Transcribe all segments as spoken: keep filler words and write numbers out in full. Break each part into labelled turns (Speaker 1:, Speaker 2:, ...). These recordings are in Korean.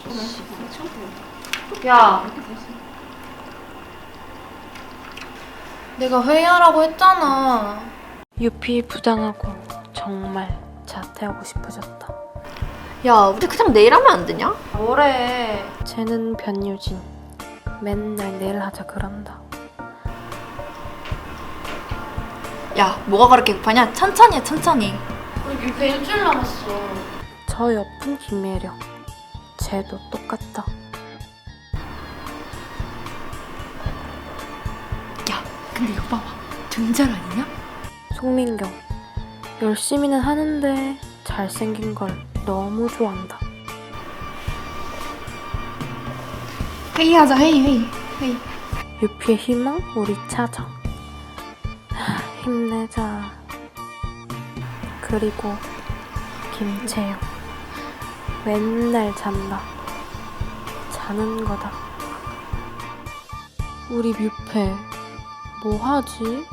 Speaker 1: 야, 내가 회의하라고 했잖아.
Speaker 2: 유피 부장하고 정말 자퇴하고 싶어졌다.
Speaker 3: 야, 우리 그냥 내일 하면 안 되냐?
Speaker 1: 뭐래?
Speaker 2: 쟤는 변유진. 맨날 내일 하자 그런다.
Speaker 3: 야, 뭐가 그렇게 급하냐? 천천히 해, 천천히.
Speaker 1: 우리 뮤페 일주일 남았어.
Speaker 2: 저 옆은 김예령. 쟤도 똑같다.
Speaker 3: 야, 근데 이거 봐봐. 등잘 아니냐?
Speaker 2: 송민경. 열심히는 하는데 잘생긴 걸 너무 좋아한다.
Speaker 3: 회의하자, 회의, 회의, 회의.
Speaker 2: 유피의 희망 우리 찾아. 하, 힘내자. 그리고 김채영. 맨날 잔다. 자는 거다. 우리 뮤페 뭐 하지?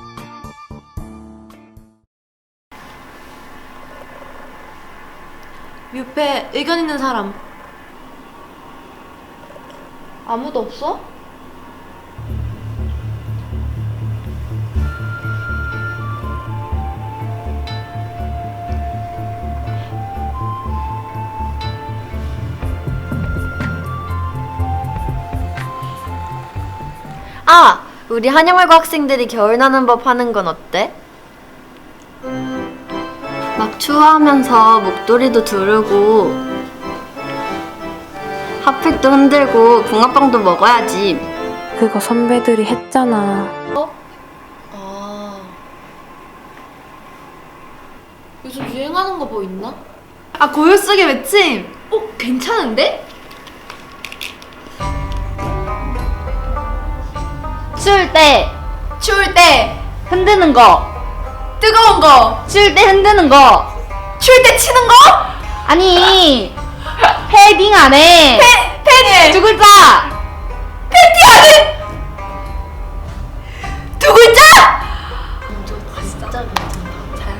Speaker 1: 뮤페 의견 있는 사람 아무도 없어?
Speaker 3: 아! 우리 한여말고 학생들이 겨울 나는 법 하는 건 어때? 막 추워하면서 목도리도 두르고 핫팩도 흔들고 붕어빵도 먹어야지.
Speaker 2: 그거 선배들이 했잖아.
Speaker 1: 아, 요즘 유행하는 거 뭐 있나?
Speaker 3: 아, 고요 속의 외침! 어? 괜찮은데? 추울 때 추울 때 흔드는 거, 뜨거운 거 추울 때 흔드는 거, 추울 때 치는 거? 아니 패딩 안에 패, 패딩 두 글자, 팬티 안에 두 글자? 진짜 괜찮다. 잘.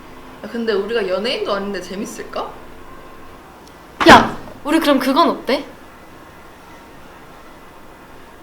Speaker 4: 근데 우리가 연예인도 아닌데 재밌을까?
Speaker 1: 야, 우리 그럼 그건 어때?